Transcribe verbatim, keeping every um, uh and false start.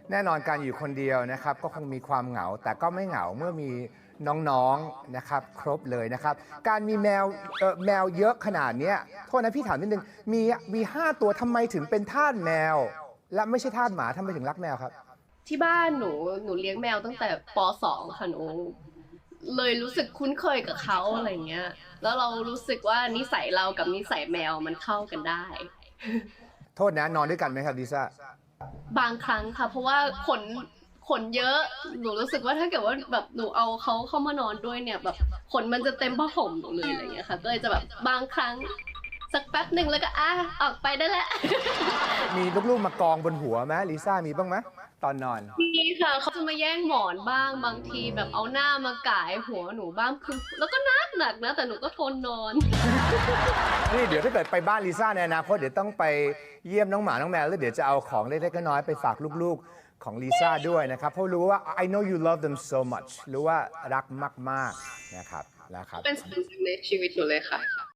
แน่นอนการอยู่คนเดียวนะครับก็คงมีความเหงาแต่ก็ไม่เหงาเมื่อมีน้องๆนะครับครบเลยนะครับการมีแมวเอ่อแมวเยอะขนาดเนี้ยโทษนะพี่ถามนิดนึงมีมีห้าตัวทำไมถึงเป็นทาสแมว และไม่ใช่ทาสหมาทำไมถึงรักแมวครับที่บ้านหนูหนูเลี้ยงแมวตั้งแต่ป .สอง ค่ะหนูเลยรู้สึกคุ้นเคยกับเขาอะไรเงี้ยแล้วเรารู้สึกว่านิสัยเรากับนิสัยแมวมันเข้ากันได้โทษนะนอนด้วยกันไหมครับลิซ่าบางครั้งค่ะเพราะว่าขนขนเยอะหนูรู้สึกว่าถ้าเกิดว่าแบบหนูเอาเขาเข้ามานอนด้วยเนี่ยแบบขนมันจะเต็มผ้าห่มหนูเลยอะไรเงี้ยค่ะก็เลยจะแบบบางครั้งสักแป๊บหนึ่งแล้วก็อ่ะออกไปได้แล้วมีลูกๆมากองบนหัวไหมลิซ่ามีบ้างไหมตอนนอนมีค่ะเขาจะมาแย่งหมอนบ้างบางทีแบบเอาหน้ามาก่ายหัวหนูบ้างคือแล้วก็นักหนักนะแต่หนูก็ทนนอนนี่เดี๋ยวถ้าเกิดไปบ้านลิซ่าในอนาคตเดี๋ยวต้องไปเยี่ยมน้องหมาน้องแมวแล้วเดี๋ยวจะเอาของเล็กๆน้อยๆไปฝากลูกๆของลิซ่าด้วยนะครับเพราะรู้ว่า I know you love them so much รู้ว่ารักมากๆนะครับนะครับเป็นส่วนหนึ่งในชีวิตหนูเลยค่ะ